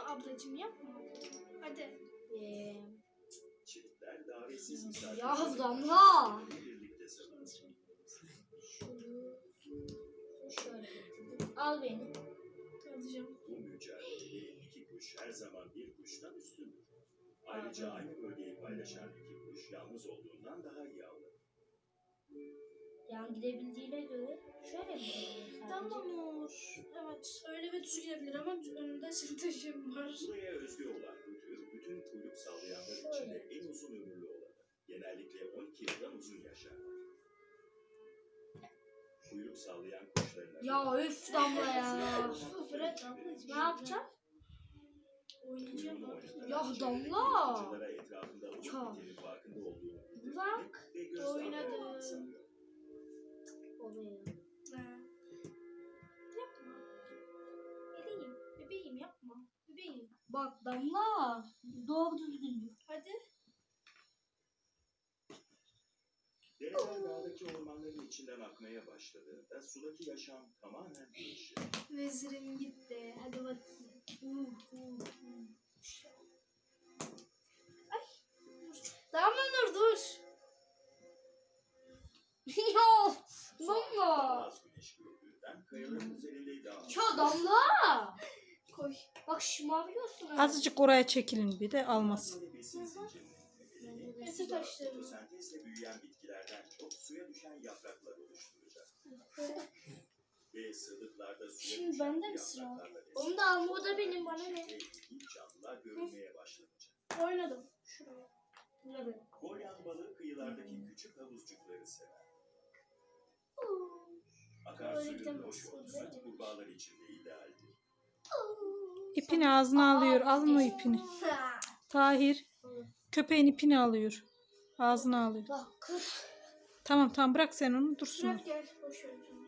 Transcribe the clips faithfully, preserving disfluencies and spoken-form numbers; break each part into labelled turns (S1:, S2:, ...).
S1: ablacığım yapma. Hadi.
S2: Ee,
S3: Çiftler davetsiz misafir.
S2: ya Damla.
S3: Birlikte sanır.
S2: Şunu şöyle getirdim. Al beni.
S1: Alacağım.
S3: Bu mücadelede iki kuş her zaman bir kuştan üstündür. Ayrıca aynı bölgeyi paylaşan iki kuş yalnız olduğundan daha iyi avlanır.
S2: Yan gidebildiğine göre şöyle mi gidebilir
S1: Tamam
S2: sadece?
S1: olur. Evet öyle bir düz gidebilir ama önünde senin taşım var.
S3: Buraya özgü olan bu tür bütün kuyruk sallayanlar içinde en uzun ömürlü olanı. Genellikle on iki yıldan uzun yaşarlar. Kuyruk sallayan kuşların adı-
S2: Ya öf Damla ya.
S1: Bırak ablacığım.
S2: Ne yapacağım?
S1: Oynayacağım
S3: Kuyruğunu
S1: abi.
S3: oynatarak
S2: Ya
S3: çevredeki
S2: Damla!
S3: yırtıcılara etrafında olup
S2: Çal.
S3: bitenin farkında olduğunu bildirmek
S2: Bırak.
S3: ve göz
S1: Oynadı.
S3: dağılmadan sanıyor.
S2: Oluyor.
S1: Ha. Yapma. Bebeğim. Bebeğim yapma. Bebeğim.
S2: Bak Damla. Doğru düzgün.
S1: Hadi.
S3: Dereler dağdaki ormanların içinden akmaya başladığında sudaki yaşam tamamen değişir.
S1: Vezirim gitti. Hadi bakayım. Uh, uh, uh. Ay. Damla Nur dur.
S2: Ya
S3: Daha
S2: Damla.
S3: az güneş gördüğünden kayaların üzerinde daha az.
S2: Ya Damla.
S1: Koy.
S2: Bak şımarıyorsun.
S4: Azıcık oraya çekilin bir de almasın.
S3: Böyle besin zincirinin temelini
S1: Eti
S3: suda
S1: taşları.
S3: fotosentezle büyüyen bitkilerden çok suya düşen yapraklar oluşturacak. Ve sığlıklarda suya
S1: Şimdi
S3: düşen
S1: bende
S3: bu
S1: mi sıra?
S3: yapraklarla
S2: Onu da alma, o da benim, bana ne?
S3: ve ilginç canlılar görülmeye başlanacak.
S1: Oynadım. Şuraya.
S2: Evet.
S3: Golyan balığı kıyılardaki küçük havuzcukları sever. Akarsuyun
S1: Öğretmen
S3: hoş olması
S1: soruyor.
S3: kurbağalar için de idealdir.
S4: İpini ağzına alıyor. Alın o ipini. Tahir. Köpeğin ipini alıyor. Ağzına alıyor.
S2: Bak kız.
S4: Tamam tamam bırak sen onu dursun. o.
S1: Bırak gel. Boş ver canım.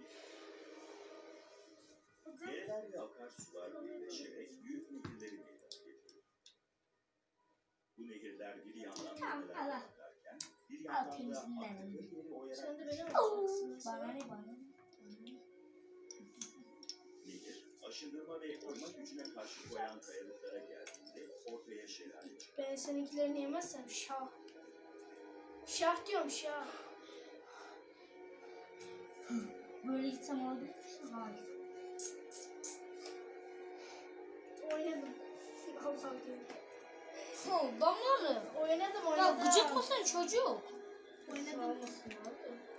S3: Dereler ve akarsular birleşerek büyük nehirleri meydana getiriyor. Bu nehirler bir yandan
S2: Tamam,
S3: nehirler
S2: al.
S3: akarken bir
S2: Al,
S3: yandan da
S2: temizliğinden
S3: aktıkları
S2: alayım.
S3: yeri oyarak
S1: Sen de beni
S3: geçiyor.
S1: alacaksın.
S2: Bana ne bana ne?
S3: Nehir, aşındırma ve oyma gücüne karşı koyan kayalıklara geldiğinde ortaya şelale çıkar.
S1: Ben seninkilerini yemezsem şah. Şah diyorum şah.
S2: Böyle gitsem alabilir misin? Hayır.
S1: Oynadım. Allah diyor.
S2: Oh, Damla.
S1: Oynadım
S2: Ya
S1: oynadım.
S2: gıcık mısın çocuk?
S1: Oynadım.
S2: Olmasın abi.